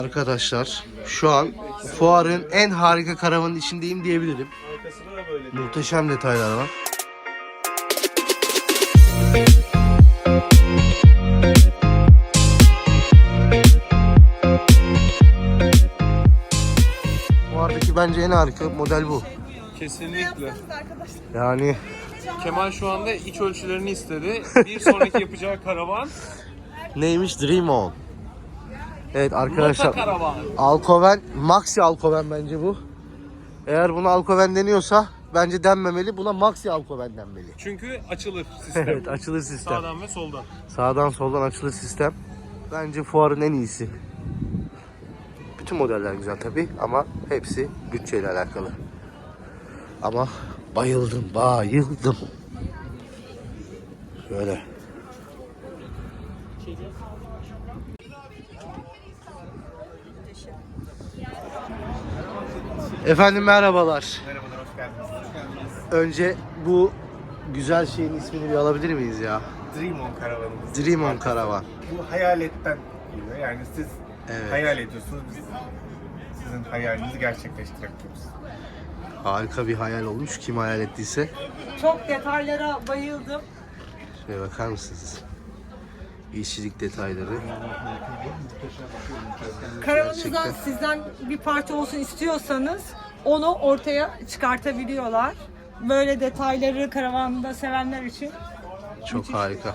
Arkadaşlar şu an fuarın en harika karavanın içindeyim diyebilirim. Muhteşem detaylar var. Fuardaki bence en harika model bu. Kesinlikle. Yani Kemal şu anda iç ölçülerini istedi. Bir sonraki yapacağı karavan neymiş? Dream On. Evet Rota arkadaşlar. karavan. Alkoven, Maxi Alkoven bence bu. Eğer buna Alkoven deniyorsa bence denmemeli. Buna Maxi Alkoven denmeli. Çünkü açılır sistem. Evet, açılır sistem. Sağdan ve soldan. Sağdan soldan açılır sistem. Bence fuarın en iyisi. Bütün modeller güzel tabi ama hepsi bütçeyle alakalı. Ama bayıldım. Şöyle. Efendim merhabalar. Merhabalar, hoş geldiniz. Önce bu güzel şeyin ismini bir alabilir miyiz ya? Dream On karavanımız. Dream On Karavan. Bu hayaletten geliyor. Yani siz Evet. hayal ediyorsunuz, biz sizin hayalinizi gerçekleştirebiliyoruz. Harika bir hayal olmuş. Kim hayal ettiyse. Çok detaylara bayıldım. Şöyle bakar mısınız? İşçilik detayları. Karavanınızdan Gerçekten. sizden bir parça olsun istiyorsanız onu ortaya çıkartabiliyorlar. Böyle detayları karavanda sevenler için. Çok harika.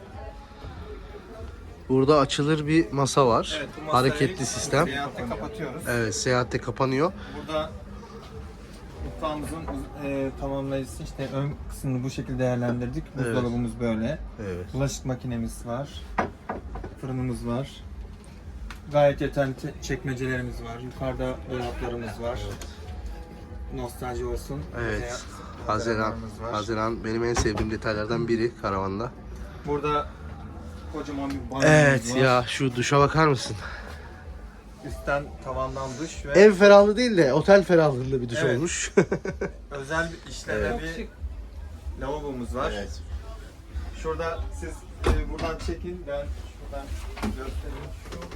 Burada açılır bir masa var. Evet, bu masayı Hareketli sistem. Seyahatte kapatıyoruz. Evet, seyahatte kapanıyor. Burada mutfağımızın tamamlayıcısı, işte ön kısmını bu şekilde değerlendirdik. Buzdolabımız böyle. Evet. Bulaşık makinemiz var. Fırınımız var. Gayet yeterli çekmecelerimiz var. Yukarıda dolaplarımız var. Nostalji olsun. Evet. Haziran benim en sevdiğim detaylardan biri karavanda. Burada kocaman bir banyomuz Evet var. ya, şu duşa bakar mısın? Üstten tavandan duş ve Ev ferahlığı değil de otel ferahlığında bir duş Evet. olmuş. özel bir işlevli Çok bir şık. lavabomuz var. Evet. Şurada siz buradan çekin, ben şuradan göstereyim.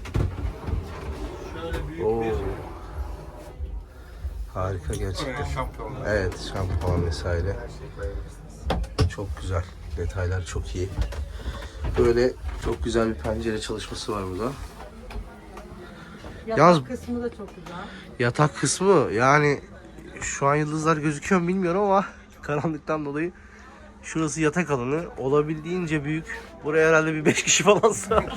Şöyle büyük Oo. bir Harika gerçekten. oraya şampuan. Evet, şampuan vesaire. Her şeyi koyabilirsiniz. Çok güzel. Detaylar çok iyi. Böyle çok güzel bir pencere çalışması var burada. Yatak Yalnız- kısmı da çok güzel. Yatak kısmı yani şu an yıldızlar gözüküyor mu bilmiyorum ama karanlıktan dolayı şurası yatak alanı, olabildiğince büyük. Buraya herhalde bir 5 kişi falan sığar.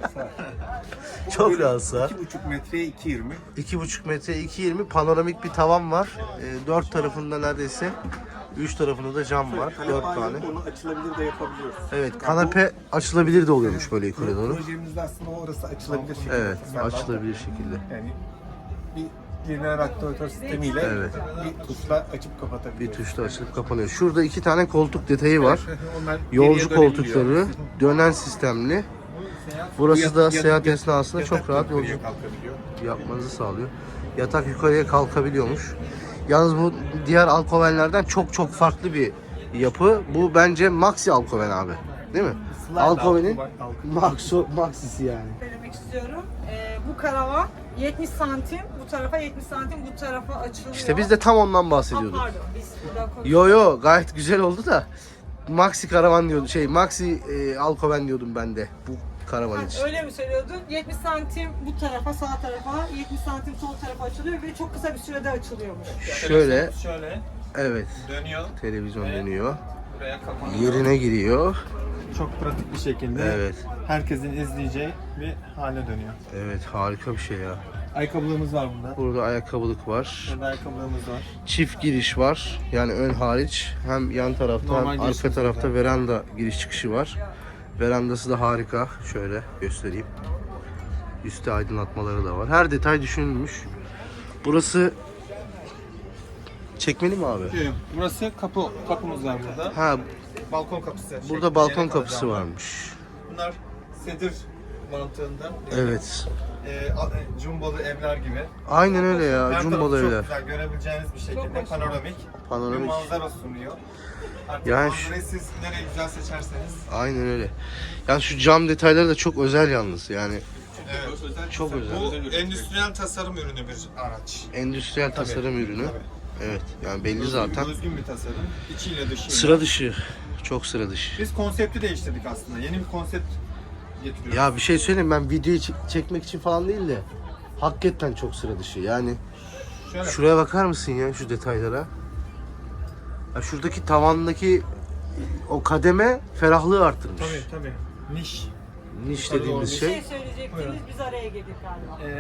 Çok rahat sığar. 2,5 metreye 2,20. 2,5 metre 2,20 panoramik bir tavan var. 4 tarafında neredeyse 3 tarafında da cam var. 4 tane. Onu açılabilir de yapabiliyoruz. Evet, kanepe açılabilir de oluyormuş böyle yukarı doğru. Projemizde aslında orası açılabilir şekilde. Evet, tasarlandı. açılabilir şekilde. Yani bir lineer aktivatör sistemiyle Evet. bir tuşla açıp Bir kapatabiliyoruz. tuşla açılıp kapanıyor. Şurada 2 tane koltuk detayı var. Onlar Yolcu geriye koltukları, dönebiliyor. dönen sistemli. Seyahat- Burası da yatak- seyahat esnasında yatak çok rahat yukarıya yolculuk kalkabiliyor. yapmanızı sağlıyor. Yatak yukarıya kalkabiliyormuş. Yalnız bu diğer alkovenlerden çok farklı bir yapı. Bu bence Maxi Alkoven abi. Değil mi? Slide Alkoven'in altı Maxisi yani. Söylemek istiyorum. Bu karavan 70 santim bu tarafa, 70 santim bu tarafa açılıyor. İşte biz de tam ondan Ha, bahsediyorduk. pardon, biz burada konuşuyoruz. Yo gayet güzel oldu da Maxi karavan diyordum. Maxi Alkoven diyordum ben de bu karavan için. Öyle mi söylüyordun? 70 santim bu tarafa, sağ tarafa, 70 santim sol tarafa açılıyor ve çok kısa bir sürede açılıyormuş. Şöyle, Şöyle evet, dönüyor. televizyon Evet. dönüyor. Buraya kapanıyor. Yerine giriyor. Çok pratik bir şekilde Evet. herkesin izleyeceği bir hale dönüyor. Evet, harika bir şey ya. Ayakkabılığımız var burada. Burada ayakkabılık var. Burada ayakkabılığımız var. Çift giriş var. Yani ön hariç hem yan tarafta Normal hem girişimiz arka tarafta var. veranda giriş çıkışı var. Verandası da harika. Şöyle göstereyim. Üstte aydınlatmaları da var. Her detay düşünülmüş. Burası çekmeli mi abi? Burası kapımız var burada. Ha, Balkon kapısı. burada şeklinde balkon yere kapısı kalacağım. varmış. Bunlar sedir mantığında. Evet. Cumbolu evler gibi. Aynen öyle Her ya. tarafı Jumbo'da çok evler. güzel görebileceğiniz bir şekilde hoş. panoramik bir Panoramik. manzara sunuyor. Artık Yani manzarayı siz nereye güzel seçerseniz. Aynen öyle. Yani şu cam detayları da çok özel yalnız. Yani Evet. Çok özel. Bu endüstriyel tasarım ürünü bir araç. Endüstriyel tasarım ürünü. Tabii. Evet. Yani belli zaten. Özgün bir tasarım. İçiyle dışıyla. Sıra dışı. Çok sıra dışı. Biz konsepti değiştirdik aslında. Yeni bir konsept getiriyoruz. Ya bir şey söyleyeyim, ben videoyu çekmek için falan değil de hakikaten çok sıra dışı. Yani Şöyle. şuraya bakar mısın ya, şu detaylara? Ya şuradaki tavandaki o kademe ferahlığı arttırmış. Tabii. Niş. Niş Yukarı dediğimiz doğru Bir şey. şey söyleyecektiniz, Buyurun. biz araya girdik galiba.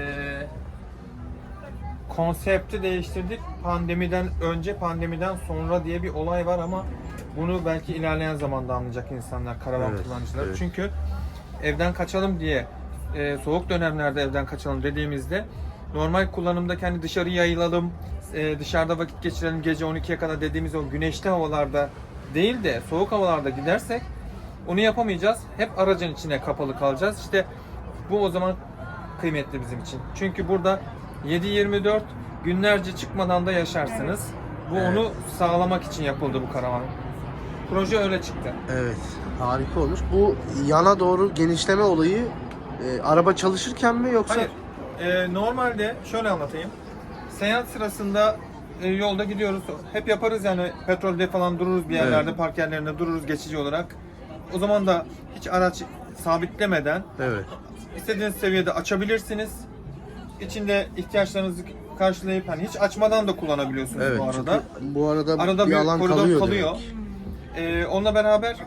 Konsepti değiştirdik. Pandemiden önce, pandemiden sonra diye bir olay var ama bunu belki ilerleyen zamanda anlayacak insanlar, karavan Evet, kullanıcılar. evet. Çünkü evden kaçalım diye, soğuk dönemlerde evden kaçalım dediğimizde normal kullanımda kendi dışarı yayılalım, dışarıda vakit geçirelim gece 12'ye kadar dediğimiz o güneşli havalarda değil de soğuk havalarda gidersek onu yapamayacağız. Hep aracın içine kapalı kalacağız. İşte bu o zaman kıymetli bizim için. Çünkü burada 7/24 günlerce çıkmadan da yaşarsınız. Bu onu sağlamak için yapıldı bu karavan. Proje öyle çıktı. Evet. Harika olmuş. Bu yana doğru genişleme olayı araba çalışırken mi yoksa? Hayır. Normalde şöyle anlatayım. Seyahat sırasında yolda gidiyoruz. Hep yaparız yani, petrolde falan dururuz bir yerlerde, Evet. park yerlerinde dururuz geçici olarak. O zaman da hiç araç sabitlemeden Evet. istediğiniz seviyede açabilirsiniz. İçinde ihtiyaçlarınızı karşılayıp hani hiç açmadan da kullanabiliyorsunuz Evet. bu arada. Çünkü bu arada, Arada bir bir alan koridor kalıyor. kalıyor. Onunla beraber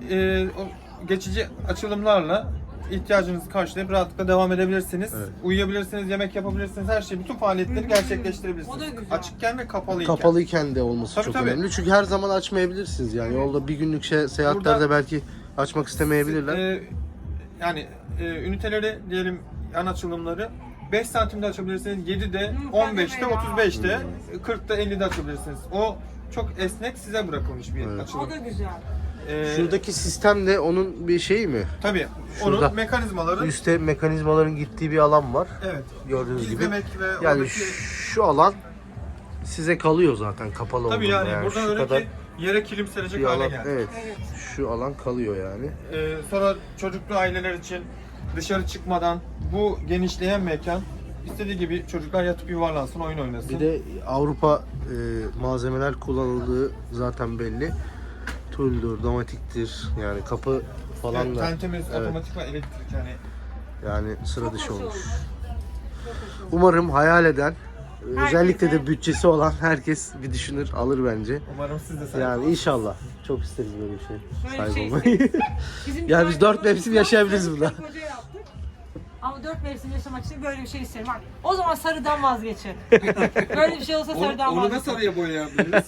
o geçici açılımlarla ihtiyacınızı karşılayıp rahatlıkla devam edebilirsiniz. Evet. Uyuyabilirsiniz, yemek yapabilirsiniz, her şeyi, bütün faaliyetleri O gerçekleştirebilirsiniz. da güzel. Açıkken ve kapalıyken. Kapalıyken de olması Tabii, çok tabii. önemli. Çünkü her zaman açmayabilirsiniz yani. Yolda bir günlük seyahatlerde Burada- belki açmak istemeyebilirler. Yani üniteleri diyelim, yan açılımları 5 santimde açabilirsiniz, 7'de, 15'te, kademe ya. 35'te, 40'ta, 50'de açabilirsiniz. O çok esnek, size bırakılmış bir Evet. açılım. O da güzel. Şuradaki sistem de onun bir şeyi mi? Tabii. Şurada. Onun mekanizmaları, Üstte mekanizmaların gittiği bir alan var. evet. Gördüğünüz gibi. İzlemek ve Yani oradaki... şu alan size kalıyor zaten kapalı Tabii olduğunda. yani, buradan şu öyle kadar ki yere kilim serecek bir hale alan. geldi. Evet. Evet. Şu alan kalıyor yani. Sonra çocuklu aileler için dışarı çıkmadan bu genişleyen mekan, istediği gibi çocuklar yatıp yuvarlansın, oyun oynasın. Bir de Avrupa malzemeler kullanıldığı zaten belli. Tuldür, domatiktir. Yani kapı falan evet, da tentemiz, evet. otomatik ve elektrik yani. Yani sıra Çok dışı hoş olmuş. olmuş. Çok hoş olmuş. Umarım hayal eden, özellikle de Herkese- bütçesi olan herkes bir düşünür, alır bence. Umarım siz de sahip Yani inşallah. Çok isteriz böyle bir şey. Böyle Sahip bir şey olmayı. Bizim Yani biz 4 çocuğumuz mevsim yaşayabiliriz sarı burada. karı koca yaptık. Ama 4 mevsim yaşamak için böyle bir şey isterim. Bak, o zaman sarıdan vazgeçin. Böyle bir şey olsa sarıdan Onu da vazgeçin. sarıya boyayabiliriz.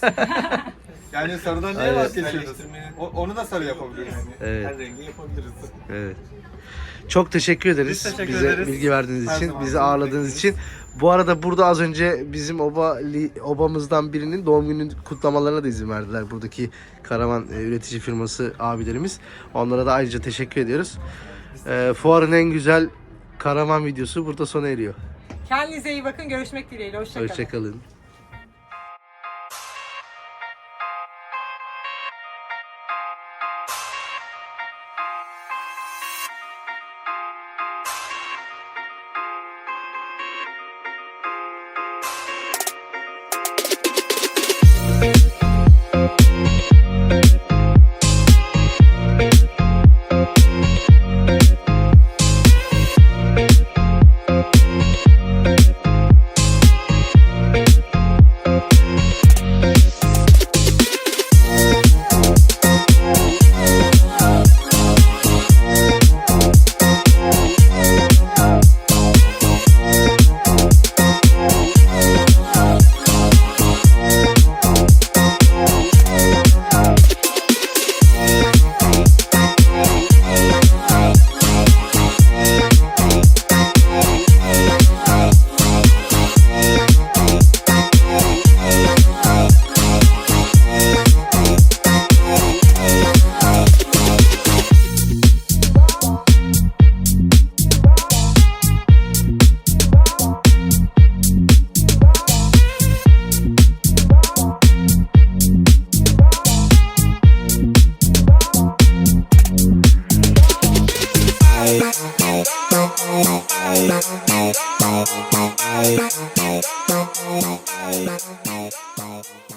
Yani sarıdan niye Evet. vazgeçiyoruz? Onu da sarı yapabiliriz. Evet. Her rengi yapabiliriz. Evet. Çok teşekkür ederiz. Biz teşekkür Bize ederiz. bilgi verdiğiniz Her için, zaman bizi sizi ağırladığınız için. Bu arada burada az önce bizim obamızdan birinin doğum günü kutlamalarına da izin verdiler. Buradaki karavan üretici firması abilerimiz. Onlara da ayrıca teşekkür ediyoruz. Fuarın en güzel karavan videosu burada sona eriyor. Kendinize iyi bakın. Görüşmek dileğiyle. Hoşçakalın. Hoşçakalın. Bye.